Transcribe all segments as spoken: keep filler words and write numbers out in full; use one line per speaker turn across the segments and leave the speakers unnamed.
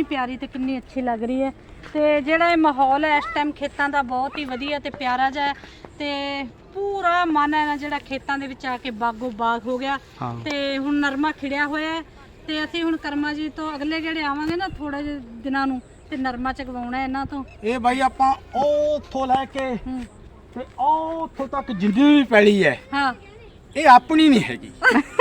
प्यारी ते कितनी अच्छी लग रही है। तो ਜਿਹੜਾ ਇਹ ਮਾਹੌਲ ਹੈ ਇਸ ਟਾਈਮ ਖੇਤਾਂ ਦਾ ਬਹੁਤ ਹੀ ਵਧੀਆ ਤੇ ਪਿਆਰਾ ਜਿਹਾ ਤੇ ਪੂਰਾ ਮਨ ਹੈ ਨਾ ਜਿਹੜਾ ਖੇਤਾਂ ਦੇ ਵਿੱਚ ਆ ਕੇ ਬਾਗੋ ਬਾਗ ਹੋ ਗਿਆ। ਤੇ ਹੁਣ ਨਰਮਾ ਖਿੜਿਆ ਹੋਇਆ ਹੈ ਤੇ ਅਸੀਂ ਹੁਣ ਕਰਮਾ ਜੀ ਤੋਂ ਅਗਲੇ ਜਿਹੜੇ ਆਵਾਂਗੇ ਨਾ ਥੋੜੇ ਜਿਹੇ ਦਿਨਾਂ ਨੂੰ ਤੇ ਨਰਮਾ ਚਗਵਾਉਣਾ ਇਹਨਾਂ ਤੋਂ।
ਇਹ ਬਾਈ ਆਪਾਂ ਉਹ ਉੱਥੋਂ ਲੈ ਕੇ ਤੇ ਉਹ ਉੱਥੋਂ ਤੱਕ ਜਿੰਨੀ ਵੀ ਪੈਲੀ ਹੈ
ਹਾਂ
ਇਹ ਆਪਣੀ ਨਹੀਂ ਹੈਗੀ।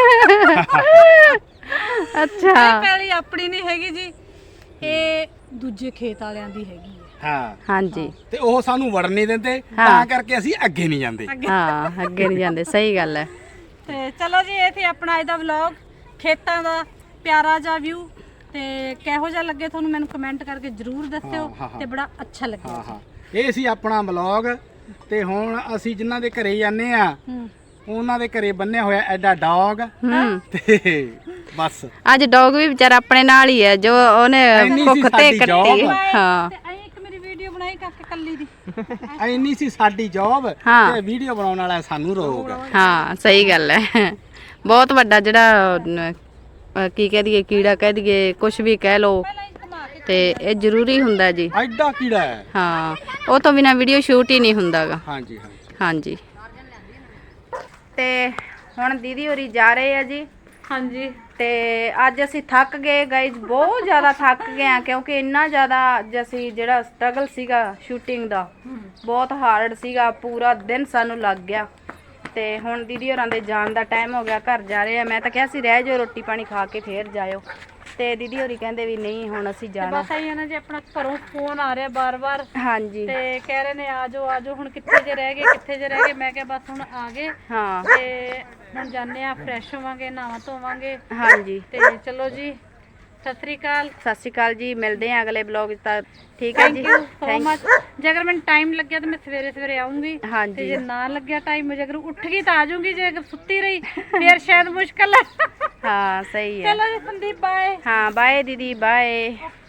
ਅੱਛਾ
ਇਹ ਪੈਲੀ ਆਪਣੀ ਨਹੀਂ ਹੈਗੀ ਜੀ, ਇਹ ਦੂਜੇ ਖੇਤ ਵਾਲਿਆਂ ਦੀ ਹੈਗੀ ਹੈ।
ਹਾਂ
ਹਾਂਜੀ
ਤੇ ਉਹ ਸਾਨੂੰ ਵੜਨ ਨਹੀਂ ਦਿੰਦੇ ਤਾਂ ਕਰਕੇ ਅਸੀਂ ਅੱਗੇ ਨਹੀਂ ਜਾਂਦੇ।
ਹਾਂ ਅੱਗੇ ਨਹੀਂ ਜਾਂਦੇ, ਸਹੀ ਗੱਲ ਹੈ।
ਤੇ ਚਲੋ ਜੀ ਇਹ ਸੀ ਆਪਣਾ ਅੱਜ ਦਾ ਵਲੌਗ, ਖੇਤਾਂ ਦਾ ਪਿਆਰਾ ਜਿਹਾ ਵਿਊ। ਤੇ ਕਿਹੋ ਜਿਹਾ ਲੱਗੇ ਤੁਹਾਨੂੰ ਮੈਨੂੰ ਕਮੈਂਟ ਕਰਕੇ ਜਰੂਰ ਦੱਸਿਓ ਤੇ ਬੜਾ ਅੱਛਾ ਲੱਗਿਆ।
ਹਾਂ ਹਾਂ ਇਹ ਸੀ ਆਪਣਾ ਵਲੌਗ ਤੇ ਹੁਣ ਅਸੀਂ ਜਿਨ੍ਹਾਂ ਦੇ ਘਰੇ ਜਾਂਦੇ ਆ ਉਹਨਾਂ ਦੇ ਘਰੇ ਬੰਨਿਆ ਹੋਇਆ ਐਡਾ ਡੌਗ ਤੇ ਬਸ
ਅੱਜ ਡੌਗ ਵੀ ਵਿਚਾਰਾ ਆਪਣੇ ਨਾਲ ਹੀ ਹੈ ਜੋ ਉਹਨੇ ਭੁੱਖ ਤੇ ਕੱਟੀ। ਹਾਂ
ਤੇ ਐਂ ਇੱਕ ਮੇਰੀ ਵੀਡੀਓ ਬਣਾਈ ਕਾਕੇ ਕੱਲੀ ਦੀ।
ਐਨੀ ਸੀ ਸਾਡੀ ਜੌਬ ਤੇ ਵੀਡੀਓ ਬਣਾਉਣ ਵਾਲਾ ਸਾਨੂੰ ਰੋਗ।
ਹਾਂ ਸਹੀ ਗੱਲ ਹੈ। ਬਹੁਤ ਵੱਡਾ ਜਿਹੜਾ ਅਹ, ਕੀ ਕਹਿ ਦਈਏ ਕੀੜਾ ਕਹਿ ਦਈਏ ਕੁਝ ਵੀ ਕਹਿ ਲੋ ਤੇ ਇਹ ਜ਼ਰੂਰੀ ਹੁੰਦਾ ਜੀ।
ਐਡਾ ਕੀੜਾ ਹੈ।
ਹਾਂ ਉਹ ਤੋਂ ਬਿਨਾ ਵੀਡੀਓ ਸ਼ੂਟ ਹੀ ਨਹੀਂ ਹੁੰਦਾਗਾ।
ਹਾਂਜੀ ਹਾਂਜੀ
ਹਾਂਜੀ ਤੇ ਹੁਣ ਦੀਦੀ ਹੋਰੀ ਜਾ ਰਹੇ ਆ ਜੀ।
ਹਾਂਜੀ
ਤੇ ਅੱਜ ਅਸੀਂ ਥੱਕ ਗਏ ਗਾਇਜ਼, ਬਹੁਤ ਜ਼ਿਆਦਾ ਥੱਕ ਗਏ ਆ ਕਿਉਂਕਿ ਇੰਨਾ ਜ਼ਿਆਦਾ ਅੱਜ ਅਸੀਂ ਜਿਹੜਾ ਸਟਰਗਲ ਸੀਗਾ ਸ਼ੂਟਿੰਗ ਦਾ ਬਹੁਤ ਹਾਰਡ ਸੀਗਾ, ਪੂਰਾ ਦਿਨ ਸਾਨੂੰ ਲੱਗ ਗਿਆ। ਤੇ ਹੁਣ ਦੀਦੀ ਹੋਰਾਂ ਦੇ ਜਾਣ ਦਾ ਟਾਈਮ ਹੋ ਗਿਆ, ਘਰ ਜਾ ਰਹੇ ਆ। ਮੈਂ ਤਾਂ ਕਿਹਾ ਸੀ ਰਹਿ ਜਾਓ ਰੋਟੀ ਪਾਣੀ ਖਾ ਕੇ ਫੇਰ ਜਾਇਓ, ਤੇ ਦੀਦੀ ਹੋਰੀ ਕਹਿੰਦੇ ਵੀ ਨਹੀਂ ਹੁਣ ਅਸੀਂ ਜਾਣਾ।
ਬਸ ਆਈ ਹੈ ਨਾ ਜੀ, ਆਪਣਾ ਘਰੋਂ ਫੋਨ ਆ ਰਿਹਾ ਬਾਰ-ਬਾਰ
ਹਾਂਜੀ
ਤੇ ਕਹਿ ਰਹੇ ਨੇ ਆ ਜਾਓ ਆ ਜਾਓ। ਹੁਣ ਕਿੱਥੇ ਜੇ ਰਹਿ ਗਏ ਕਿੱਥੇ ਜੇ ਰਹਿ ਗਏ, ਮੈਂ ਕਿਹਾ ਬਸ ਹੁਣ ਆ ਗਏ
ਹਾਂ
ਤੇ ਹੁਣ ਜਾਂਦੇ ਆ, ਫਰੈਸ਼ ਹੋਵਾਂਗੇ, ਨਹਾਵਾਂ ਧੋਵਾਂਗੇ।
ਹਾਂਜੀ
ਤੇ ਚਲੋ ਜੀ ਸਤਿ ਸ੍ਰੀ ਅਕਾਲ।
ਸਤਿ ਸ਼੍ਰੀ ਅਕਾਲ ਜੀ, ਮਿਲਦੇ ਆ ਅਗਲੇ ਬਲੌਗ ਤਾਂ ਠੀਕ ਹੈ ਜੀ।
Thank you so much. ਜੇ ਅਗਰ ਮੈਨੂੰ ਟਾਈਮ ਲੱਗਿਆ ਤਾਂ ਮੈਂ ਸਵੇਰੇ ਸਵੇਰੇ ਆਉਂਗੀ ਤੇ
ਹਾਂਜੀ
ਜੇ ਨਾ ਲੱਗਿਆ ਟਾਈਮ, ਜੇ ਅਗਰ ਉੱਠ ਗਈ ਤਾਂ ਆ ਜਾਊਂਗੀ, ਜੇ ਅਗਰ ਸੁੱਤੀ ਰਹੀ ਫਿਰ ਸ਼ਾਇਦ ਮੁਸ਼ਕਲ ਹੈ।
ਹਾਂ ਸਹੀ ਹੈ।
ਚਲੋ ਜੀ ਸੰਦੀਪ ਬਾਏ।
ਹਾਂ ਬਾਏ ਦੀਦੀ ਬਾਏ।